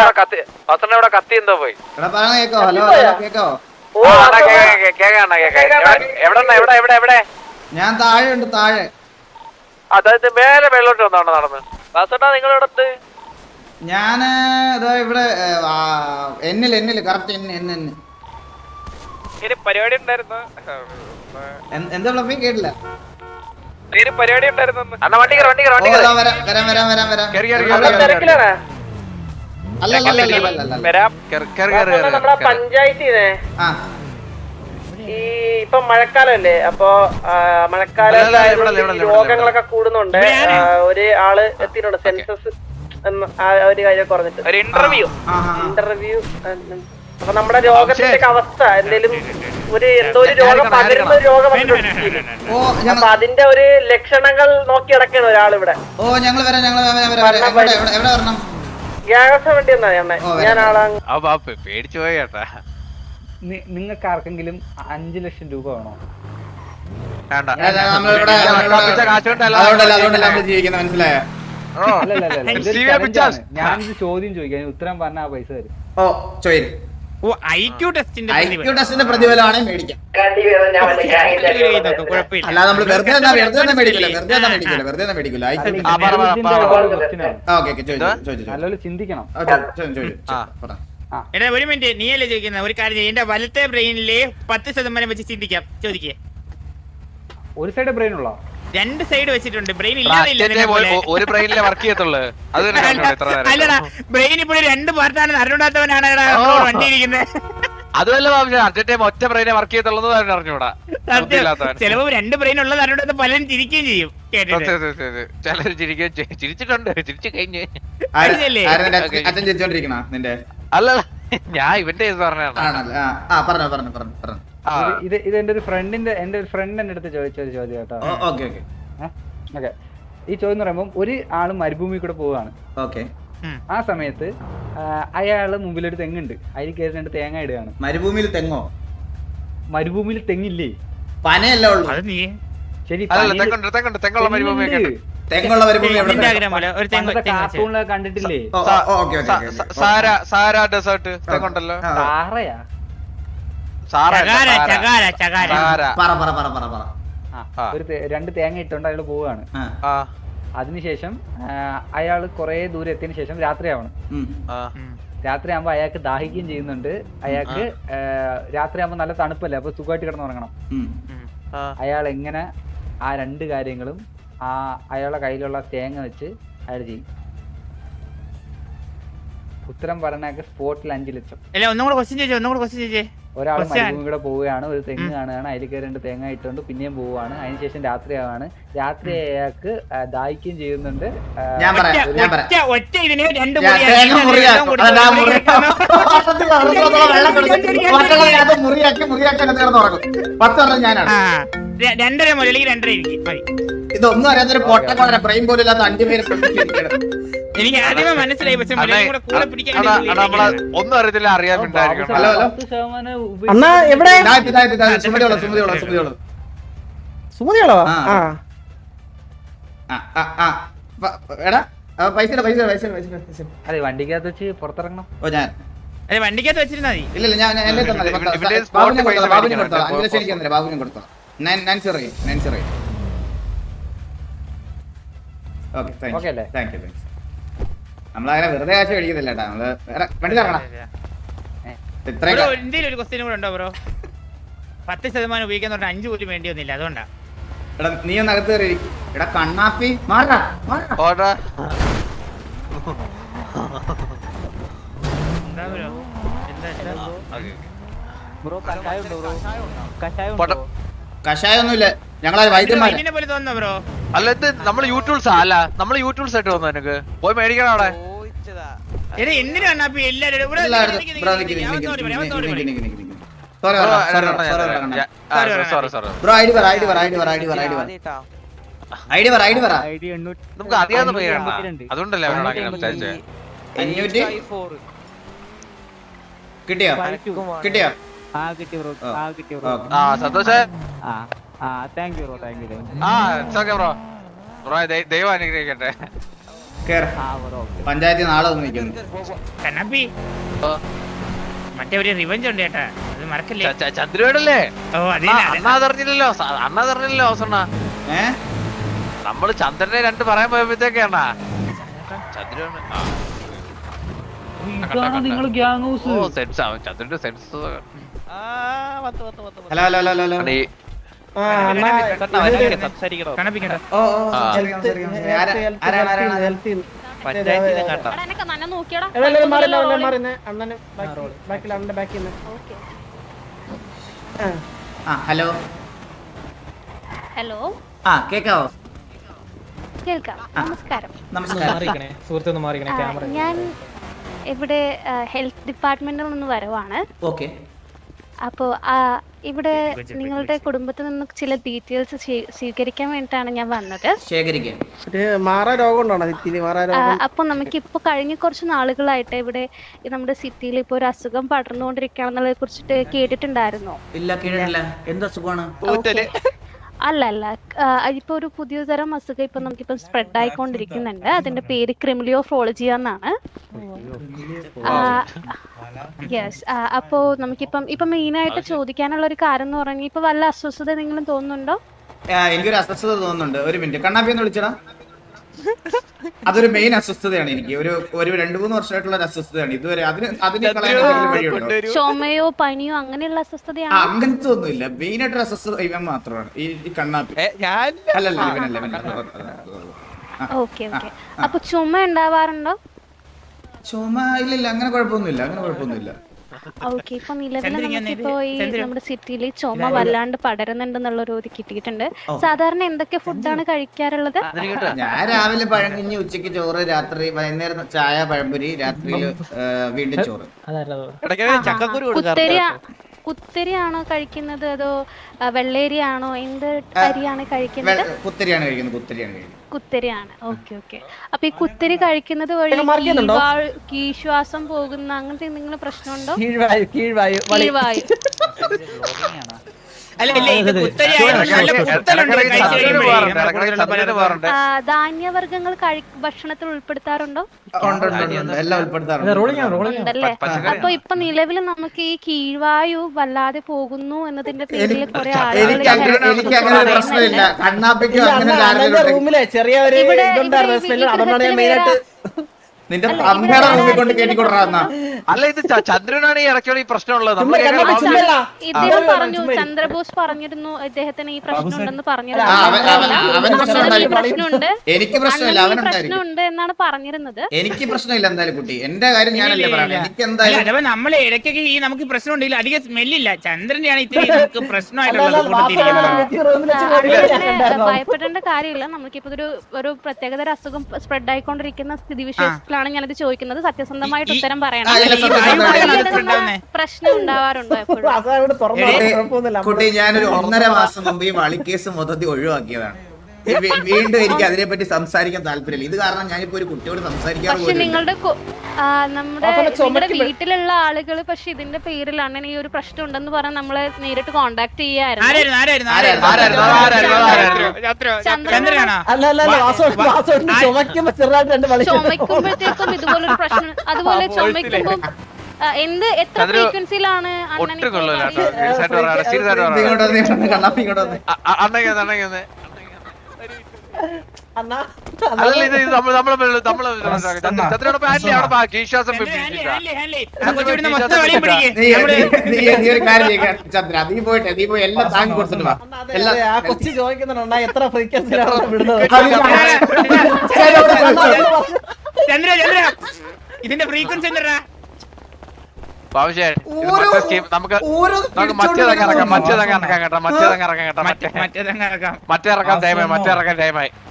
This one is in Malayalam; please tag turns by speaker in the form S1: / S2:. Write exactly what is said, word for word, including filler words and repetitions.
S1: ഇവിടെ കത്തി എന്തോ പോയി.
S2: ഞാൻ താഴെ ഉണ്ട് താഴെ.
S1: അതായത് മേലെ വെള്ളോട്ട് വന്നാണ് നടന്ന്. വാസേട്ടാ നിങ്ങളിടത്ത്?
S2: ഞാന് ഇവിടെ എന്നില് എന്നില് കറക്റ്റ് എന്നെ എന്നെ എന്നെ
S1: പരിപാടി ഉണ്ടായിരുന്നു.
S2: എന്താ ഫ്ലഫി കേട്ടില്ല?
S1: പരിപാടി ഉണ്ടായിരുന്നു. അണ്ണാ വണ്ടി വണ്ടി വണ്ടി
S2: വരാം വരാം വരാം വരാം വരാം. അല്ല അല്ല അല്ല
S3: നമ്മളെ പഞ്ചായത്തിനെ ഈ ഇപ്പൊ മഴക്കാലല്ലേ, അപ്പൊ മഴക്കാലം രോഗങ്ങളൊക്കെ കൂടുന്നുണ്ട്. ഒരു ആള് എത്തിയിട്ടുണ്ട് സെൻസസ് എന്ന ഒരു കാര്യം പറഞ്ഞിട്ട് ഇന്റർവ്യൂ ഇന്റർവ്യൂ അപ്പൊ നമ്മുടെ രോഗത്തിന്റെ അവസ്ഥ എന്തേലും ഒരു എന്തോ ഒരു രോഗം പകരുന്ന ഒരു രോഗം അപ്പൊ അതിന്റെ ഒരു ലക്ഷണങ്ങൾ നോക്കി നടക്കണം ഒരാളിവിടെ.
S2: ഓ ഞങ്ങൾ
S3: ഗ്യാസ് വേണ്ടി എന്നാ ഞാൻ ആളാ
S1: പേടിച്ചു പോയി കേട്ടാ.
S4: നിങ്ങൾക്ക് ആർക്കെങ്കിലും അഞ്ചു ലക്ഷം രൂപ വേണോ?
S2: മനസ്സിലായോ?
S4: ഞാനിത് ചോദ്യം ചോദിക്കാൻ ഉത്തരം പറഞ്ഞ ആ പൈസ തരും.
S2: ഓ ചോദിക്കും. ഐക്യു ടെസ്റ്റിന്റെ പ്രതിഫലമാണ് മേടിക്കാം. അല്ലാതെ നമ്മള് വെറുതെ വെറുതെ മേടിക്കില്ല വെറുതെ മേടിക്കില്ല വെറുതെ മേടിക്കില്ല.
S4: ചിന്തിക്കണം.
S5: എടാ ഒരു മിനിറ്റ്, നീയല്ലേ ചോദിക്കുന്ന ഒരു കാര്യം. എന്റെ വലത്തെ ബ്രെയിനില് പത്ത് ശതമാനം വെച്ച് ചിന്തിക്കാം. ചോദിക്കേ.
S4: ഒരു സൈഡ് ബ്രെയിൻ ഉള്ള
S5: രണ്ട് സൈഡ് വെച്ചിട്ടുണ്ട്. ബ്രെയിൻ ഇല്ലാതില്ല.
S1: ഒരു ബ്രെയിനിലെ വർക്ക് ചെയ്യത്തുള്ളൂ.
S5: അല്ലടാ, ബ്രെയിൻ ഇപ്പോഴും രണ്ട് പാർട്ടാണ്. അറിഞ്ഞൂടാത്തവനാണ് വണ്ടി ഇരിക്കുന്നത്.
S1: അതുമല്ല അർജന്റ് ഒറ്റ ബ്രെയിനെ വർക്ക് ചെയ്യത്തുള്ളത് അറിഞ്ഞൂടാ.
S5: ചിലപ്പോ രണ്ട് ബ്രെയിൻ ഉള്ളത് അറിഞ്ഞൂടാത്ത പലരും ചിരിക്കുകയും ചെയ്യും.
S1: ചിലര് ചിരിക്കുകയും ചിരിച്ചിട്ടുണ്ട്. ചിരിച്ചു കഴിഞ്ഞ്
S2: നിന്റെ
S1: അല്ല ഞാൻ ഇവന്റെ പറഞ്ഞാണ്.
S4: ഇത് ഇത് എന്റെ ഒരു ഫ്രണ്ടിന്റെ എന്റെ ഒരു ഫ്രണ്ട് എന്റെ അടുത്ത് ചോദിച്ച ഒരു ചോദ്യം കേട്ടോ.
S2: ഓക്കെ
S4: ഈ ചോദ്യം എന്ന് പറയുമ്പോൾ ഒരു ആള് മരുഭൂമി കൂടെ പോവാണ്.
S2: ഓക്കെ.
S4: ആ സമയത്ത് അയാള് മുമ്പിലൊരു തെങ്ങുണ്ട്, അതിൽ കയറി രണ്ട് തേങ്ങ ഇടുകയാണ്.
S2: മരുഭൂമിയിൽ തെങ്ങോ?
S4: മരുഭൂമിയിൽ തെങ്ങില്ലേ?
S2: പനയല്ല ഉള്ളു.
S4: ശരി, കാർട്ടൂണിലൊക്കെ കണ്ടിട്ടില്ലേ? ഒരു രണ്ട് തേങ്ങ ഇട്ടോണ്ട് അയാള് പോവാണ്. അതിനുശേഷം അയാള് കൊറേ ദൂരം എത്തിയതിനു ശേഷം രാത്രിയാവണം. രാത്രിയാകുമ്പോ അയാൾക്ക് ദാഹിക്കുകയും ചെയ്യുന്നുണ്ട്. അയാൾക്ക് രാത്രിയാകുമ്പോ നല്ല തണുപ്പല്ലേ, അപ്പൊ സുഖമായിട്ട് കിടന്നുറങ്ങണം. അയാൾ എങ്ങനെ ആ രണ്ട് കാര്യങ്ങളും ആ അയാളുടെ കയ്യിലുള്ള തേങ്ങ വെച്ച് അയാൾ ചെയ്യും? ഉത്തരം പറഞ്ഞാൽ സ്പോട്ടിൽ അഞ്ചു ലക്ഷം. ഒരാൾ മരുഭൂമി കൂടെ പോവുകയാണ്, ഒരു തെങ്ങ് കാണുകയാണ്, അതിൽ കയറി രണ്ട് തേങ്ങ ഇട്ടുകൊണ്ട് പിന്നെയും പോവുകയാണ്. അതിനുശേഷം രാത്രിയാവാണ്. രാത്രി അയാൾക്ക് ദാഹിക്കുകയും ചെയ്യുന്നുണ്ട്.
S5: രണ്ടര മുതൽ രണ്ടര
S2: ഇതൊന്നും അറിയാത്തൊരു പൊട്ട ബ്രെയിൻ പോലും ഇല്ലാത്ത അഞ്ചു പേര്
S5: എനിക്ക് ആദ്യമേ മനസ്സിലായി. പക്ഷെ
S1: ഒന്നും അറിയത്തില്ല, അറിയാൻ
S4: അതെ, വണ്ടിക്കകത്ത് വെച്ച് പുറത്തിറങ്ങണം.
S2: ഓ ഞാൻ
S5: വണ്ടിക്കകത്ത് വെച്ചിരുന്നാ മതി.
S2: ഇല്ല ഞാൻ ബാബുവിനും കൊടുത്തോളാം. അഞ്ചു ലക്ഷം എനിക്ക് തന്നില്ല, ബാബുവിനും കൊടുത്തോളാം. നമ്മളങ്ങനെ വെറുതെ കാശ് മേടിക്കുന്നില്ല കേട്ടാ. നമ്മള് വണ്ടി തരണം.
S5: ഇന്ത്യയിൽ ഒരു ക്വസ്റ്റ്യൻ കൂടെ ഉണ്ടോ ബ്രോ? പത്ത് ശതമാനം ഉപയോഗിക്കാൻ പറഞ്ഞാൽ അഞ്ചു പോലും വേണ്ടി വന്നില്ല, അതുകൊണ്ടാ.
S2: എടാ നീ ഒന്ന് അകത്ത് കയറി. എടാ കണ്ണാപ്പി മാറാ കഷായൊന്നുമില്ല. ഞങ്ങളെ വൈദ്യന്മാർ
S1: അല്ല, ഇത് നമ്മള് യൂട്യൂബ്സ് അല്ല, നമ്മള് യൂട്യൂബ്സ് ആയിട്ട് വന്നു. എനിക്ക് പോയി മേടിക്കണം അവിടെ. നമുക്ക് അറിയാവുന്ന പേരാണ്, അതുകൊണ്ടല്ലേ
S2: കിട്ടിയോ കിട്ടിയോ?
S1: ആ സന്തോഷേ.
S4: Thank you bro, thank you.
S1: ആ ബ്രോ ബ്രോ ദൈവം അനുഗ്രഹിക്കട്ടെ.
S2: കേറ്. പഞ്ചായത്തിൽ നാളെ വന്ന് നിൽക്കുന്നു.
S5: കണ്ണപ്പി മറ്റേ ഒരു റിവഞ്ച് ഉണ്ട് ചേട്ടാ, അത് മറക്കല്ലേ.
S1: ചന്ദ്രയോടല്ലേ?
S5: ഓ അതെ
S1: അണ്ണാ അതറിഞ്ഞില്ലല്ലോ, അണ്ണാ അതറിഞ്ഞില്ലല്ലോ അവസണ്ണ.
S2: ഏ
S1: നമ്മള് ചന്ദ്രനെ രണ്ട് പറയാൻ പോയപ്പോഴത്തേക്കാണാ ചന്ദ്രൻ.
S4: നിങ്ങൾ ഗ്യാങ് ഹൗസ്.
S1: ഓ സെൻസ് ആവും ചന്ദ്രന്റെ sense.
S2: Hello hello hello hello.
S1: അണി
S5: കണ്ണപ്പിക്കണ്ട.
S2: ഓ ഓ സംസാരിക്കാം, സംസാരിക്കാം. ആരാ- ആരാണ് ആരാണ് ആ ഹലോ
S6: ഹലോ
S2: ആ കേക്കാവോ?
S6: കേൾക്കാം. നമസ്കാരം.
S2: നമസ്കാരം.
S6: ആ, ഞാൻ ഇവിടെ ഹെൽത്ത് ഡിപ്പാർട്ട്മെന്റിൽ നിന്ന് വരവാണ്.
S2: ഓക്കെ.
S6: അപ്പോൾ ഇവിടെ നിങ്ങളുടെ കുടുംബത്തിൽ നിന്ന് ചില ഡീറ്റെയിൽസ് സ്വീകരിക്കാൻ വേണ്ടിയിട്ടാണ് ഞാൻ വന്നത്.
S2: ശേഖരിക്കാം.
S6: അപ്പോൾ നമുക്ക് ഇപ്പോൾ കഴിഞ്ഞ കുറച്ച് നാളുകളായിട്ട് ഇവിടെ ഈ നമ്മുടെ സിറ്റിയിൽ ഇപ്പോൾ ഒരു അസുഖം പടർന്നുകൊണ്ടിരിക്കുകയാണെന്നുള്ളതിനെ കുറിച്ചിട്ട് കേട്ടിട്ടുണ്ടായിരുന്നോ?
S2: ഇല്ല കേട്ടില്ല. എന്താ സുഖമാണ്?
S6: അല്ല അല്ല ഇപ്പൊ ഒരു പുതിയ തരം അസുഖം ഇപ്പൊ നമുക്കിപ്പം സ്പ്രെഡ് ആയിക്കൊണ്ടിരിക്കുന്നുണ്ട്. അതിന്റെ പേര് ക്രിമിലിയോഫ്രോളജി എന്നാണ്. യെസ്. അപ്പോ നമുക്കിപ്പം ഇപ്പൊ മെയിൻ ആയിട്ട് ചോദിക്കാനുള്ള ഒരു കാര്യം എന്ന് പറഞ്ഞാൽ ഇപ്പൊ വല്ല അസ്വസ്ഥത എന്തെങ്കിലും തോന്നുന്നുണ്ടോ?
S2: എനിക്കൊരു അസ്വസ്ഥത തോന്നുന്നുണ്ട്. ഒരു മിനിറ്റ്. കണ്ണാപ്പി എന്ന് വിളിച്ചടാ. അതൊരു മെയിൻ അസ്വസ്ഥതയാണ് എനിക്ക്. ഒരു ഒരു രണ്ടു മൂന്ന് വർഷമായിട്ടുള്ള ഒരു അസ്വസ്ഥതയാണ് ഇതുവരെ. അതിന് അതിന് വഴിയുണ്ടോ?
S6: ചുമയോ പനിയോ അങ്ങനെയുള്ള അസ്വസ്ഥതയാണ്?
S2: അങ്ങനത്തെ ഒന്നുമില്ല. മെയിൻ ആയിട്ടൊരു അസ്വസ്ഥത ഇവൻ മാത്രമാണ്, ഈ കണ്ണാപ്പി. അല്ലല്ല ഇവനല്ല ഇവനല്ല.
S6: Okay okay. അപ്പൊ ചുമ ഉണ്ടാവാറുണ്ടോ?
S2: ചുമ ഇല്ലില്ല, അങ്ങനെ കുഴപ്പമൊന്നുമില്ല, അങ്ങനെ കുഴപ്പമൊന്നുമില്ല.
S6: ഓക്കെ. ഇപ്പൊ നിലവിൽ നമുക്കിപ്പോ ഈ നമ്മുടെ സിറ്റിയിൽ ചുമ വല്ലാണ്ട് പടരുന്നുണ്ടെന്നുള്ള ഒരു ഇത് കിട്ടിയിട്ടുണ്ട്. സാധാരണ എന്തൊക്കെ ഫുഡാണ് കഴിക്കാറുള്ളത്?
S2: ഞാൻ രാവിലെ പഴങ്കഞ്ഞി, ഉച്ചക്ക് ചോറ്, രാത്രി വൈകുന്നേരം ചായ പഴംപൊരി, രാത്രിയിൽ വീണ്ടും ചോറ്.
S6: കുത്തരി കുത്തരിയാണോ കഴിക്കുന്നത് അതോ വെള്ളേരിയാണോ? എന്ത് അരിയാണ് കഴിക്കുന്നത്?
S2: കുത്തരിയാണ് കഴിക്കുന്നത്. കുത്തരിയാണ് കഴിക്കുന്നത്.
S6: കുത്തരിയാണ്. Okay okay. അപ്പൊ ഈ കുത്തരി കഴിക്കുന്നത് വഴി കീഴ്വാ- കീഴ്ശ്വാസം പോകുന്ന അങ്ങനത്തെ എന്തെങ്കിലും പ്രശ്നമുണ്ടോ?
S4: കീഴ്വായു കീഴ്വായു
S6: കീഴ്വായു.
S5: അല്ല ഇല്ല ഇത് കുത്തരി ആയതുകൊണ്ട് നല്ല കുത്തലുണ്ട് കഴിച്ച് കഴിയുമ്പോഴേ.
S6: ആ, ധാന്യവർഗ്ഗങ്ങൾ കഴി ഭക്ഷണത്തിൽ ഉൾപ്പെടുത്താറുണ്ടോ?
S2: ഉണ്ട്, ഉണ്ട്, ഉണ്ട്. എല്ലാം ഉൾപ്പെടുത്താറുണ്ട്.
S6: ഉണ്ടല്ലേ. അപ്പൊ ഇപ്പൊ നിലവിൽ നമുക്ക് ഈ കീഴ്വായു വല്ലാതെ പോകുന്നു എന്നതിന്റെ പേരിൽ കുറെ ആളുകൾ
S2: എനിക്ക് അങ്ങനെ എനിക്ക് അങ്ങനെ ഒരു പ്രശ്നമില്ല. കണ്ണാപ്പിക്കും അങ്ങനെ
S4: റൂമിലെ ചെറിയ ഒരു ഇതുണ്ടായിരുന്നു സ്മെല്ല്. അതുകൊണ്ടാണ് ഞാൻ മെയിനായിട്ട്
S2: നിന്റെ അമ്മയുടെ റൂമിൽ കൊണ്ട് കേട്ടിക്കൊണ്ടിരുന്ന.
S1: അല്ല ഇത് ചന്ദ്രനാണ് ഈ ഇടയ്ക്കുള്ള ഈ പ്രശ്നമുള്ളത്.
S6: ഇദ്ദേഹം പറഞ്ഞു, ചന്ദ്രബോസ് പറഞ്ഞിരുന്നു ഇദ്ദേഹത്തിന് ഈ പ്രശ്നം ഉണ്ടെന്ന് പറഞ്ഞിരുന്നു. പ്രശ്നമുണ്ട്,
S2: എനിക്ക് പ്രശ്നമില്ല, അവനുണ്ടായിരിക്കും.
S6: പ്രശ്നമുണ്ട് എന്നാണ് പറഞ്ഞിരുന്നത്.
S2: എനിക്ക് പ്രശ്നമില്ല എന്തായാലും കുട്ടി. എന്റെ കാര്യം ഞാനല്ലേ പറയുന്നത്. എനിക്ക് എന്തായാലും
S5: അഥവാ നമ്മളെ ഇടയ്ക്കൊക്കെ ഈ നമുക്ക് പ്രശ്നം ഉണ്ടെങ്കിൽ അധികം സ്മെല്ലില്ല. ചന്ദ്രന്റെയാണ് ഇത്തിരി നമുക്ക് പ്രശ്നമായിട്ടുള്ളത്.
S6: ഭയപ്പെടേണ്ട കാര്യമില്ല. നമുക്കിപ്പോ ഒരു ഒരു പ്രത്യേകതര അസുഖം സ്പ്രെഡ് ആയിക്കൊണ്ടിരിക്കുന്ന സ്ഥിതിവിശേഷത്തിലാണ് ഞാനത് ചോദിക്കുന്നത്. സത്യസന്ധമായിട്ട് ഉത്തരം പറയണം. പ്രശ്നം ഉണ്ടാവാറുണ്ടോ എപ്പോഴും?
S2: കുട്ടി ഞാനൊരു ഒന്നര മാസം മുമ്പ് ഈ വളിക്കേസ് മൊത്തത്തിൽ ഒഴിവാക്കിയതാണ്. വീണ്ടും എനിക്ക് അതിനെപ്പറ്റി സംസാരിക്കാൻ താല്പര്യമില്ല. ഇത് കാരണം ഞാനിപ്പോ ഒരു കുട്ടിയോട് സംസാരിക്കാൻ
S6: പക്ഷെ നിങ്ങളുടെ നമ്മുടെ നിങ്ങളുടെ വീട്ടിലുള്ള ആളുകൾ പക്ഷെ ഇതിന്റെ പേരിലാണ് ഈ ഒരു പ്രശ്നം ഉണ്ടെന്ന് പറഞ്ഞാൽ നമ്മളെ നേരിട്ട് കോണ്ടാക്ട് ചെയ്യാറുണ്ട്. ചുമക്കുമ്പോഴത്തേക്കും ഇതുപോലൊരു പ്രശ്നം, അതുപോലെ ചുമക്കുമ്പോ എന്ത് എത്ര ഫ്രീക്വൻസിയിലാണ്
S2: ചന്ദ്ര നീ പോയിട്ട് നീ പോയി എല്ലാം താങ്ങി കൊടുത്തിട്ട് വാ.
S4: ആ കൊച്ചു ചോദിക്കുന്നുണ്ടാ എത്ര ഫ്രീക്വൻസിയിലാണ്
S5: ചന്ദ്ര ചന്ദ്ര ഇതിന്റെ ഫ്രീക്വൻസി എന്താ?
S1: നമുക്ക് നമുക്ക് മറ്റേതങ്ങ് ഇറക്കാം, മറ്റേതങ്ങ് ഇറക്കാം കേട്ടോ, മറ്റേതങ്ങ് ഇറക്കാം കേട്ടോ, മറ്റേ
S5: മറ്റേതങ്ങ് ഇറക്കാം.
S1: മറ്റേ ഇറക്കാൻ ടൈമായി, മറ്റേ ഇറക്കാൻ ടൈമായി.